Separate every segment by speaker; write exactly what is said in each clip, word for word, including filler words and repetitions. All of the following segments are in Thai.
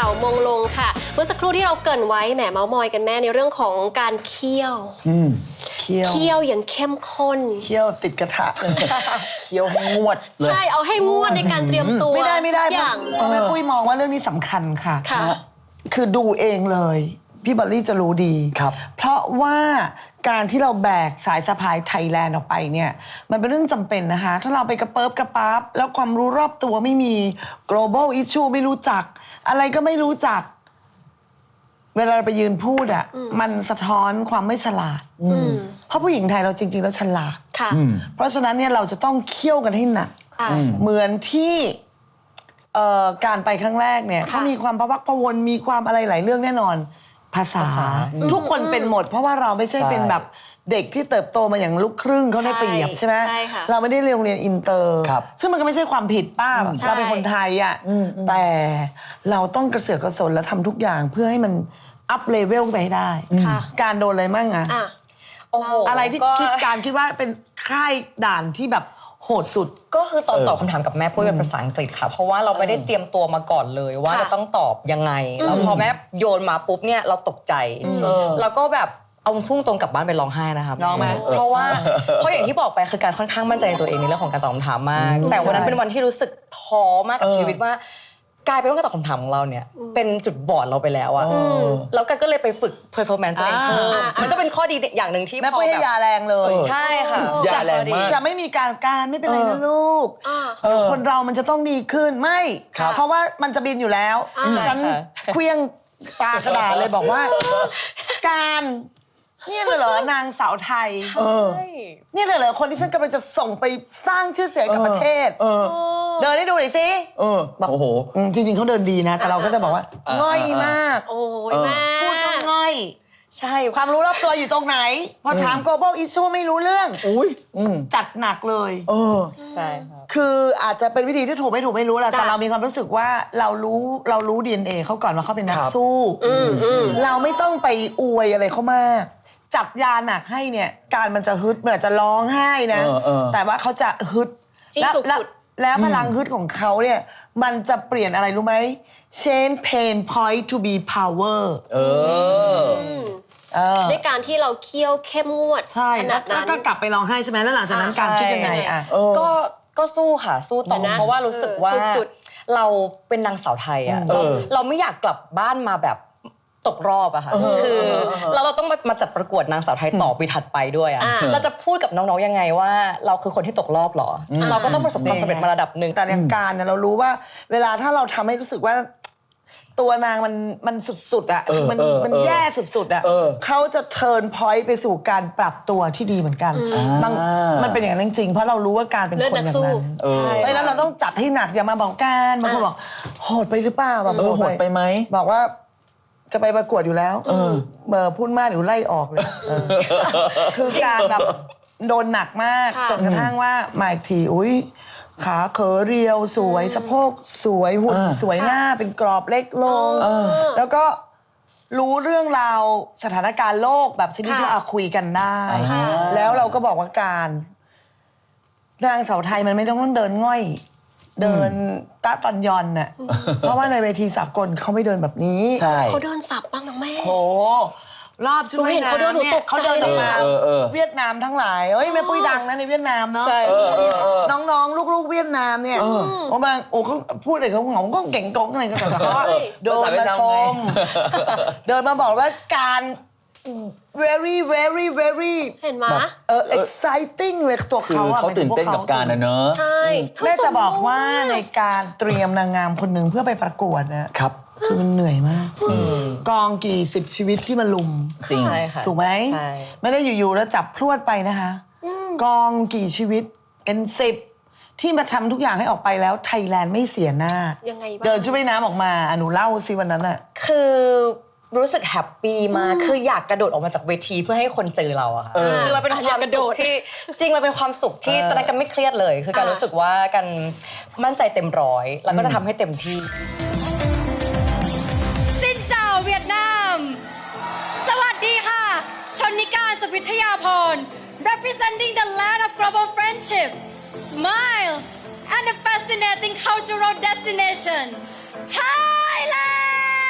Speaker 1: าวมงลงค่ะเมื่อสักครู่ที่เราเกริ่นไว้แหมเมาส์มอยกันแม่ในเรื่องของการเคี่ยว
Speaker 2: เคี่ยว
Speaker 1: เคี่ยวอย่างเข้มข้น
Speaker 2: เคี่ยวติดกระทะเลยเคี่ยวให้งวดเลย
Speaker 1: ใช่เอาให้งวดในการเตรียมตัว
Speaker 2: ไม่ได้ไม่ได้
Speaker 1: อย่าง
Speaker 2: แม่ปุ้ยมองว่าเรื่องนี้สำคัญค่ะคือดูเองเลยพี่บอลลี่จะรู้ดีครับเพราะว่าการที่เราแบกสายสะพายไทยแลนด์ออกไปเนี่ยมันเป็นเรื่องจำเป็นนะคะถ้าเราไปกระเปิบกระปั๊บแล้วความรู้รอบตัวไม่มี global issue ไม่รู้จักอะไรก็ไม่รู้จักเวลาเราไปยืนพูดอ่ะมันสะท้อนความไม่ฉลาดเพราะผู้หญิงไทยเราจริงๆแล้วฉลาดเพราะฉะนั้นเนี่ยเราจะต้องเคี่ยวกันให้หนักเหมือนที่การไปครั้งแรกเนี่ยเขามีความพะวักพะวนมีความอะไรหลายเรื่องแน่นอนภาษาทุกคนเป็นหมดเพราะว่าเราไม่ใช่เป็นแบบเด็กที่เติบโตมาอย่างลูกครึ่งเขาได้เปรียบใช่ไหมเราไม่ได้เรียนโรงเรียนอินเตอร์ซึ่งมันก็ไม่ใช่ความผิดป้าเราเป็นคนไทยอ่ะแต่เราต้องกระเสือกกระสนและทำทุกอย่างเพื่อให้มันอัพเลเวลไปให้ได้การโดนอะไรมั่งอะอะไรที่คิดการคิดว่าเป็นค่ายด่านที่แบบโหดสุด
Speaker 3: ก็คือตอนตอบคำถามกับแม่ปุ้ยเป็นภาษาอังกฤษค่ะเพราะว่าเราไม่ได้เตรียมตัวมาก่อนเลยว่าจะต้องตอบยังไงแล้วพอแม่โยนมาปุ๊บเนี่ยเราตกใจแล้วก็แบบเอาพุ่งตรงกลับบ้านไปร้องไห้นะคะ
Speaker 2: ร้องไหม
Speaker 3: เพราะว่าเพราะอย่างที่บอกไปคือการค่อนข้างมั่นใจในตัวเองในเรื่องของการตอบคำถามมากแต่วันนั้นเป็นวันที่รู้สึกท้อมากกับชีวิตว่ากลายเป็นว่าการตอบคำถามของเราเนี่ยเป็นจุดบอดเราไปแล้วอะแล้วกันก็เลยไปฝึก performance ตัวเองเพิ่มมันก็เป็นข้อดีอย่างหนึ่งที่
Speaker 2: แม่ปุ้ยให้ยาแรงเลย
Speaker 3: ใช่ค่ะ
Speaker 2: ยาแรงมากจะไม่มีการการไม่เป็นไรนะลูกคนเรามันจะต้องดีขึ้นไม่เพราะว่ามันจะบินอยู่แล้วฉันเคลี้ยงปลากระดาษเลยบอกว่าการนี่เลยเหรอนางสาวไทยนี่เลยเหรอคนที่ฉันกำลังจะส่งไปสร้างชื่อเสียงกับประเทศเดินให้ดูหน่อยสิ
Speaker 4: โอ้โห
Speaker 2: จริงๆเขาเดินดีนะแต่เราก็จะบอกว่าง่อยมาก
Speaker 1: โอ้ยแม่
Speaker 2: พูดก็ง่อยใช่ความรู้รอบตัวอยู่ตรงไหนพอถาม global issue ไม่รู้เรื่องจัดหนักเลย
Speaker 3: ใช่ครับ
Speaker 2: คืออาจจะเป็นวิธีที่ถูกไม่ถูกไม่รู้แหละแต่เรามีความรู้สึกว่าเรารู้เรารู้ ดี เอ็น เอ เขาก่อนว่าเขาเป็นนักสู้เราไม่ต้องไปอวยอะไรเขามากจัดยาหนักให้เนี่ยการมันจะฮึดมันอาจจะร้องไห้นะแต่ว่าเขาจะฮึดแล้วแล้วพลังฮึดของเขาเนี่ยมันจะเปลี่ยนอะไรรู้ไหม change pain point to be power
Speaker 1: ด้วยการที่เราเคี่ยวเข้มงวดขนาดนั้น
Speaker 2: ก็กลับไปร้องไห้ใช่ไหมแล้วหลังจากนั้นการคิดยังไงอ่ะ
Speaker 3: ก็ก็สู้ค่ะสู้ต่อเพราะว่ารู้สึกว่าเราเป็นนางสาวไทยอ่ะเราไม่อยากกลับบ้านมาแบบตกรอบอะค่ะคือเราเราต้องมาจัดประกวดนางสาวไทยต่อปีถัดไปด้วยอะเราจะพูดกับน้องๆยังไงว่าเราคือคนที่ตกรอบหรอเราก็ต้องประสบความสำเร็จมาระดับหนึ่ง
Speaker 2: แต่ในการเนี่ยเรารู้ว่าเวลาถ้าเราทำให้รู้สึกว่าตัวนางมันมันสุดๆอะมันมันแย่สุดๆอะเขาจะเทิร์นพอยต์ไปสู่การปรับตัวที่ดีเหมือนกันมันมันเป็นอย่างนั้นจริงๆเพราะเรารู้ว่าการเป็นคนแบบนั้นใช่แล้วเราต้องจัดให้หนักอย่ามาบอกการบางคนบอกโหดไปหรือเปล่าแบบ
Speaker 4: โหดไปไหม
Speaker 2: บอกว่าจะไปประกวดอยู่แล้วเออเบอร์พูดมากเดี๋ยวไล่ออกเลยคือการแบบโดนหนักมากจนกระทั่งว่ามาอีกทีอุ้ยขาเขอเรียวสวยสะโพกสวยหุ่นสวยหน้าเป็นกรอบเล็กลงแล้วก็รู้เรื่องราวสถานการณ์โลกแบบชนิดที่เราคุยกันได้แล้วเราก็บอกว่าการนางสาวไทยมันไม่ต้องเดินง่อยเดินตะตอนยอนน่ะเพราะว่าในเวทีสากลเขาไม่เดินแบบนี้
Speaker 1: เขาเดินสับบ้างน้องแม่
Speaker 2: โหรอบช่วยนะเขาเดินเขาเดินออกมาเวียดนามทั้งหลายเอ้ยแม่ปุ้ยดังนะในเวียดนามเนาะน้องๆลูกๆเวียดนามเนี่ยโอ้บางโอ้เขาพูดอะไรเขาหงก็เก่งกงอะไรกันแต่เขาเดินมาชมเดินมาบอกว่าการ very very very
Speaker 1: เห็นไหม
Speaker 2: เออ exciting เลยตัวเขาอะ
Speaker 4: เขาตื่นเต้นกับการนะเนอะ
Speaker 1: ใช่
Speaker 2: แม่จะบอกว่าในการเตรียมนางงามคนหนึ่งเพื่อไปประกวดนะครับคือมันเหนื่อยมากกองกี่สิบชีวิตที่มาลุม
Speaker 4: จริง
Speaker 2: ถูกไหมไม่ได้อยู่ๆแล้วจับพรวดไปนะคะกองกี่ชีวิตเป็นสิบที่มาทำทุกอย่างให้ออกไปแล้วไทยแลนด์ไม่เสียหน้า
Speaker 1: ยังไงบ้าง
Speaker 2: เดินชุดว่ายน้ำออกมาอนุเล่าสิวันนั้นอะ
Speaker 3: คือรู้สึกแฮปปี้มากคืออยากกระโดดออกมาจากเวทีเพื่อให้คนเจอเราอะค่ะคือมันเป็นความสุขที่จริงมันเป็นความสุขที่ตอนนั้นกันไม่เครียดเลยคือการรู้สึกว่ากันมั่นใจเต็มร้อยแล้วก็จะทำให้เต็มที่
Speaker 5: สินเจ้าเวียดนามสวัสดีค่ะชนนิการสุวิทยาพร representing the land of global friendship smile and a fascinating cultural destination Thailand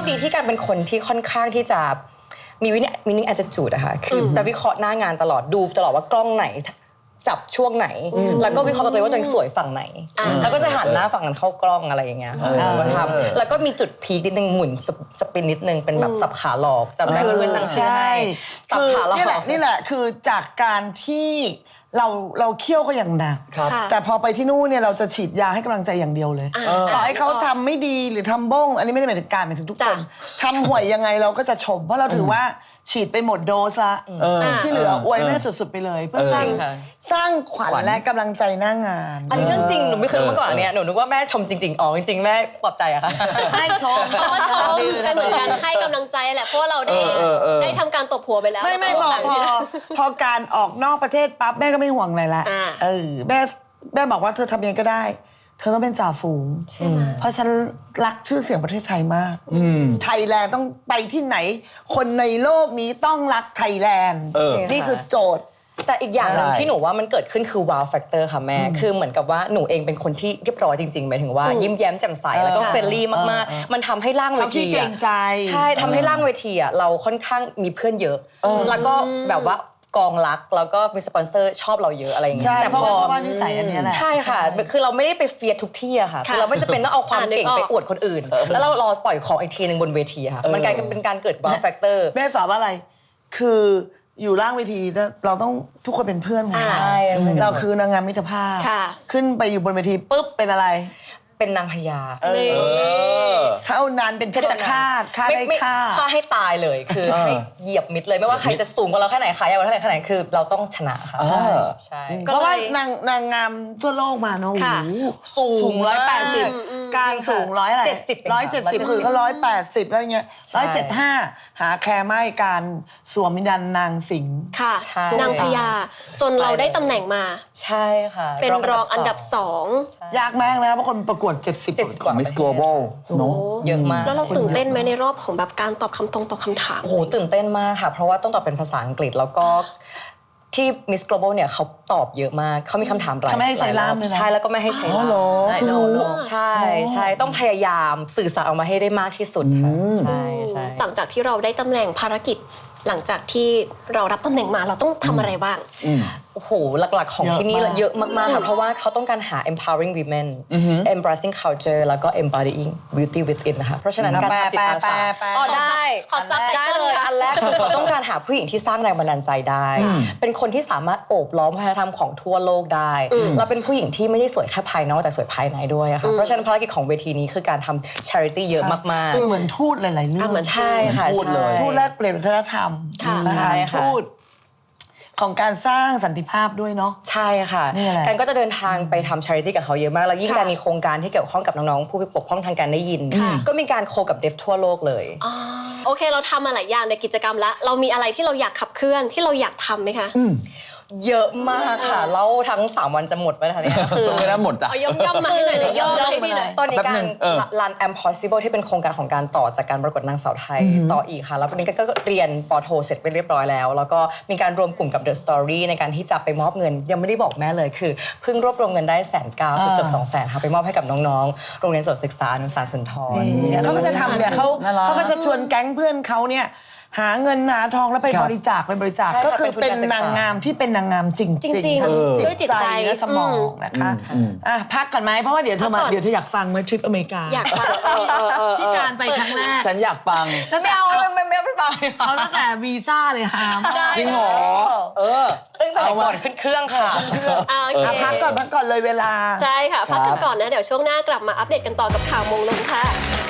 Speaker 3: ดีที่การเป็นคนที่ค่อนข้างที่จะมีวินิวินิแอดจูดอะค่ะคือแต่วิเคราะห์หน้างานตลอดดูตลอดว่ากล้องไหนจับช่วงไหนแล้วก็วิเคราะห์กับตัวเองว่าตัวเองสวยฝั่งไหนแล้วก็จะหันหน้าฝั่งนั้นเข้ากล้องอะไรอย่างเงี้ยค่ะก็ทำแล้วก็มีจุดพีคนิดนึงหมุนสปินนิดนึงเป็นแบบสับขาหลอกจำได้เพื่อนตั้งชื่อให้สับขาหลอก
Speaker 2: นี่แหละนี่แหละคือจากการที่เราเราเคี่ยวก็อย่างหนักแต่พอไปที่นู่นเนี่ยเราจะฉีดยาให้กำลังใจอย่างเดียวเลยต่อให้เขาทำไม่ดีหรือทำบ้งอันนี้ไม่ได้หมายถึงการหมายถึงทุกคนทำห่วยยังไงเราก็จะชมเพราะเราถือว่าฉีดไปหมดโดสละที่เหลืออวยแม่สุดๆไปเลยเพื่อสร้างสร้างขวัญและกำลังใจหน้างาน
Speaker 3: อันนี้เรื่องจริงหนูไม่เคยรู้มาก่อนเนี่ยหนูนึกว่าแม่ชมจริงๆอ๋อจริงๆแม่ปลอบใจอะค่ะ
Speaker 2: ให้ชม
Speaker 1: เขาก็ชมเป็นเหมือนกันให้กำลังใจแหละเพราะว่าเราได้ได้ทำการตบหัวไปแล้ว
Speaker 2: ไม่ไม่พอพอพอการออกนอกประเทศปั๊บแม่ก็ไม่ห่วงอะไรละเออแม่แม่บอกว่าเธอทำยังไงก็ได้เธอต้องเป็นจ่าฝูงเพราะฉันรักชื่อเสียงประเทศไทยมากไทยแลนด์ต้องไปที่ไหนคนในโลกนี้ต้องรักไทยแลนด์นี่คือโจทย์
Speaker 3: แต่อีกอย่างหนึ่งที่หนูว่ามันเกิดขึ้นคือ wow factor ค่ะแม่คือเหมือนกับว่าหนูเองเป็นคนที่เรียบร้อยจริงๆหมายถึงว่ายิ้มแย้มแจ่มใสแล้วก็เฟรนลี่มากๆมันทำให้ร่างเวทีใช่ทำให้ร่างเวทีอ่ะเราค่อนข้างมีเพื่อนเยอะแล้วก็แบบว่ากองรักแล้วก็มีสปอนเซอร์ชอบเราเยอะอะไรอย่างเงี้ย
Speaker 2: แต่พอว่านิสัยอันนี้แหละ
Speaker 3: ใช่ค่ะคือเราไม่ได้ไปเฟียทุกที่อะค่ะคือเราไม่จะเป็นต้องเอาความเก่งไปอวดคนอื่นแล้วเรารอปล่อยของอีกทีนึงบนเวทีค่ะมันกลายเป็นการเกิด wow factor
Speaker 2: แม่สอนว่าอะไรคืออยู่ล่างเวทีเราต้องทุกคนเป็นเพื่อนกันเราคือนางงามมิตรภาพขึ้นไปอยู่บนเวทีปุ๊บเป็นอะไร
Speaker 3: เป็นนางพญา
Speaker 2: เท่านั้นเป็นเพชฌฆาตฆ่าได้ฆ่า
Speaker 3: ฆ่าให้ตายเลยคือให้เหยียบมิดเลยไม่ว่าใครจะสูงกว่าเราแค่ไหนขายาวกว่าเท่าไหร่แค่ไหนคือเราต้องชนะค่ะ
Speaker 2: ใช่
Speaker 3: ใช่
Speaker 2: เพราะว่านางนางงามทั่วโลกมาเนาะสูงร้อยแปดสิบการสูงร้อยอะไร
Speaker 3: เจ็ดสิบ
Speaker 2: ร้อยเจ็ดสิบคือเขาร้อยแปดสิบแล้วเงี้ยร้อยเจ็ดห้าหาแคร์ไม่การสวมวิญญาณนางสิงห์
Speaker 1: ค่ะนางพญาจนเราได้ตำแหน่งมา
Speaker 3: ใช่ค่ะ
Speaker 1: เป็นรองอันดับสอง
Speaker 2: ยากมากนะเพราะคนประกวดเจ็ดสิบ
Speaker 3: กว่า
Speaker 4: Miss Global เนาะ
Speaker 3: เยอะมาก
Speaker 1: แล้วเราตื่นเต้นไหมในรอบของแบบการตอบคำตรงตอบคำถาม
Speaker 3: โอ้โหตื่นเต้นมากค่ะเพราะว่าต้องตอบเป็นภาษาอังกฤษแล้วก็ที่ Miss Global เนี่ยเขาตอบเยอะมากเขามีคำถามหลาย
Speaker 2: ไม่ให้ใช้ล่าม
Speaker 3: ใช่แล้วก็ไม่ให้ใช้ล่ามใช่ใช่ต้องพยายามสื่อสารออกมาให้ได้มากที่สุดค่ะใช่ใช่
Speaker 1: หลังจากที่เราได้ตำแหน่งภารกิจหลังจากที่เรารับตำแหน่งมาเราต้องทำอะไรบ้าง
Speaker 3: โอ้โหหลักๆของที่นี่เยอะมากๆค่ะเพราะว่าเขาต้องการหา empowering women embracing culture แล้วก็ embodying beauty within นะคะเพราะฉะนั้นการทำจิตอาสาอ๋อได้
Speaker 1: ขอซับ
Speaker 3: ได้เลยอันแรกคือเขาต้องการหาผู้หญิงที่สร้างแรงบันดาลใจได้เป็นคนที่สามารถโอบล้อมวัฒนธรรมของทั่วโลกได้เราเป็นผู้หญิงที่ไม่ได้สวยแค่ภายนอกแต่สวยภายในด้วยค่ะเพราะฉะนั้นภารกิจของเวทีนี้คือการทำ charity เยอะมาก
Speaker 2: ๆเหมือนทูตหลายๆเรื่อง
Speaker 3: เหมือนใช่ค่ะ
Speaker 2: ทูตเลยทูตแลกเปลี่ยนวัฒนธรรม
Speaker 3: ใช่ค่ะ
Speaker 2: ทูตของการสร้างสันติภาพด้วยเนาะ
Speaker 3: ใช่ค่ะการก็จะเดินทางไปทำ charity กับเขาเยอะมากแล้วยิ่งการมีโครงการที่เกี่ยวข้องกับน้องๆผู้พิปกป้องทางการได้ยินก็มีการโคกับเดฟทั่วโลกเลย
Speaker 1: โอเคเราทำมาหลายอย่างในกิจกรรมแล้วเรามีอะไรที่เราอยากขับเคลื่อนที่เราอยากทำไหมคะ
Speaker 3: เยอะมากค่ะเล่าทั้งสามวันจะหมดไปแล้วเนี่ยคือ
Speaker 4: ไม่ได้หมดอ่ะ
Speaker 1: ย่อมย่อมมาให้หน่อยเลยย่อมให้พี่หน่อย
Speaker 3: ตอนนี้การ Run Impossible ที่เป็นโครงการของการต่อจากการประกวดนางสาวไทยต่ออีกค่ะแล้ววันนี้ก็เรียนปโทเสร็จไปเรียบร้อยแล้วแล้วก็มีการรวมกลุ่มกับ The Story ในการที่จะไปมอบเงินยังไม่ได้บอกแม่เลยคือเพิ่งรวบรวมเงินได้แสนเก้าเกือบสองแสนค่ะไปมอบให้กับน้องๆโรงเรียนสวนศึกษาอนุสารสุนทร
Speaker 2: เขาก็จะทำเนี่ยเขาเขาก็จะชวนแก๊งเพื่อนเขาเนี่ยหาเงินหาทองแล้วไปบริจาคไปบริจาคก็คือเป็นนางงามที่เป็นนางงามจริงจริงทั้งจิตใจและสมองนะคะอ่ะพักก่อนไหมเพราะว่าเดี๋ยวเธอมาเดี๋ยวเธออยากฟังเมื่อทริปอเมริกา
Speaker 1: อยากฟัง
Speaker 2: ที่การไปครั้งแรก
Speaker 4: ฉันอยากฟัง
Speaker 3: ไม่เอาไม่ไม่ไม่ฟัง
Speaker 2: เอาตั้งแต่วีซ่าเลยค่ะ
Speaker 4: จริงเหรอเออ
Speaker 3: ตั้งแต่ก่อนขึ้นเครื่องค่ะ
Speaker 2: พักก่อนพักก่อนเลยเวลา
Speaker 1: ใช่ค่ะพักกันก่อนนะเดี๋ยวช่วงหน้ากลับมาอัปเดตกันต่อกับข่าวมงลงค่ะ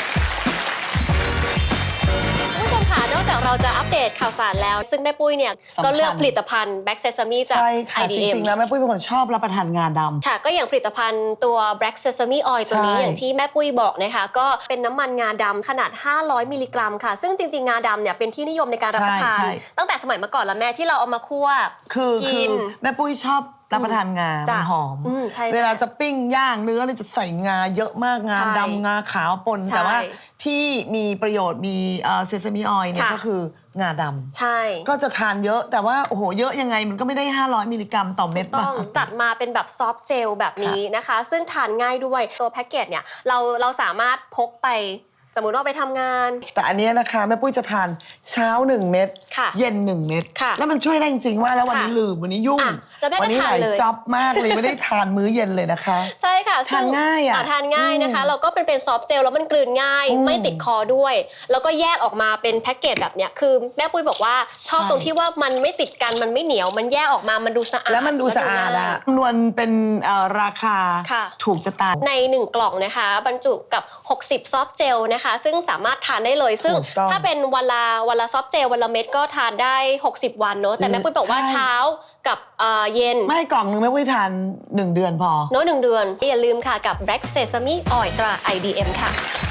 Speaker 1: นอกจากเราจะอัปเดตข่าวสารแล้วซึ่งแม่ปุ้ยเนี่ยก็เลือกผลิตภัณฑ์ Black Sesame จาก ไอ ดี เอ็ม
Speaker 2: จริงๆแล้วแม่ปุ้ยเป็นคนชอบรับประทานงาดำ
Speaker 1: ค่ะก็อย่างผลิตภัณฑ์ตัว Black Sesame Oil ตัวนี้อย่างที่แม่ปุ้ยบอกนะคะก็เป็นน้ำมันงาดำขนาดห้าร้อยมิลลิกรัมค่ะซึ่งจริงๆงาดำเนี่ยเป็นที่นิยมในการรับประทานตั้งแต่สมัยเมื่อก่อนแล้วแม่ที่เราเอามาคั่ว
Speaker 2: กินแม่ปุ้ยชอบรับประทานงาหอมเวลาจะปิ้งย่างเนื้อเนี่ยจะใส่งาเยอะมากงาดำงาขาวปนแต่ว่าที่มีประโยชน์มีเซซามิออยล์เนี่ยก็คืองาดำ
Speaker 1: ใช่
Speaker 2: ก็จะทานเยอะแต่ว่าโอ้โหเยอะยังไงมันก็ไม่ได้ห้าร้อยมิลลิกรัมต่อเม็ด
Speaker 1: ต้องจัดมาเป็นแบบซอฟต์เจลแบบนี้นะคะซึ่งทานง่ายด้วยตัวแพ็กเกจเนี่ยเราเราสามารถพกไปสมมุติว่าไปทำงาน
Speaker 2: แต่อันเนี้ยนะคะแม่ปุ้ยจะทานเช้าหนึ่งเม็ด
Speaker 1: ค่ะ
Speaker 2: เย็นหนึ่งเม็ด
Speaker 1: ค่ะ
Speaker 2: แล้วมันช่วยได้จริงๆว่าแล้ววันนี้
Speaker 1: ค่ะ
Speaker 2: ลืมวันนี้ยุ่ง
Speaker 1: อ่ะแล้วแม่ก็
Speaker 2: วันี้
Speaker 1: ทา
Speaker 2: ห
Speaker 1: น
Speaker 2: ลาย
Speaker 1: เลย
Speaker 2: จ็อบมากเลยไม่ได้ทานมื้อเย็นเลยนะคะ
Speaker 1: ใช่ค่ะ
Speaker 2: ทานง่ายอะ
Speaker 1: ทานง่ายนะคะเราก็เป็นเป็นซอฟต์เจลแล้วมันกลืนง่าย
Speaker 2: อืม
Speaker 1: ไม่ติดคอด้วย แล้วก็แยกออกมาเป็นแพ็กเกจแบบเนี้ยคือแม่ปุ้ยบอกว่าชอบ
Speaker 2: ใช่
Speaker 1: ตรงที่ว่ามันไม่ติดกันมันไม่เหนียวมันแยกออกมามันดูสะอาด
Speaker 2: แล้วมันดูสะอาด
Speaker 1: ง่
Speaker 2: อะ
Speaker 1: ย
Speaker 2: คำนวณเป็นเอ่อราคา
Speaker 1: ค่ะ
Speaker 2: ถูกจะตาย
Speaker 1: ในหนึ่งกล่องนะคะบรรจุกับหกสิบซอฟต์เจลนะคะซึ่งสามารถทานได้เลยซึ่ง
Speaker 2: ถูกต้อง
Speaker 1: ถ้าเป็นวันละวันละซอฟต์เจลวันละเม็ดก็ทานได้หกสิบวันเนอะแต่แม่ปุ้ยบอกว่า
Speaker 2: ใช่
Speaker 1: เช้ากับเอ่อเย็น
Speaker 2: ไม่กล่องนึงแม่ปุ้ยทานหนึ่งเดือนพอ
Speaker 1: เนอะหนึ่งเดือนอย่าลืมค่ะกับ Black Sesame Oil ตรา ไอ ดี เอ็ม ค่ะ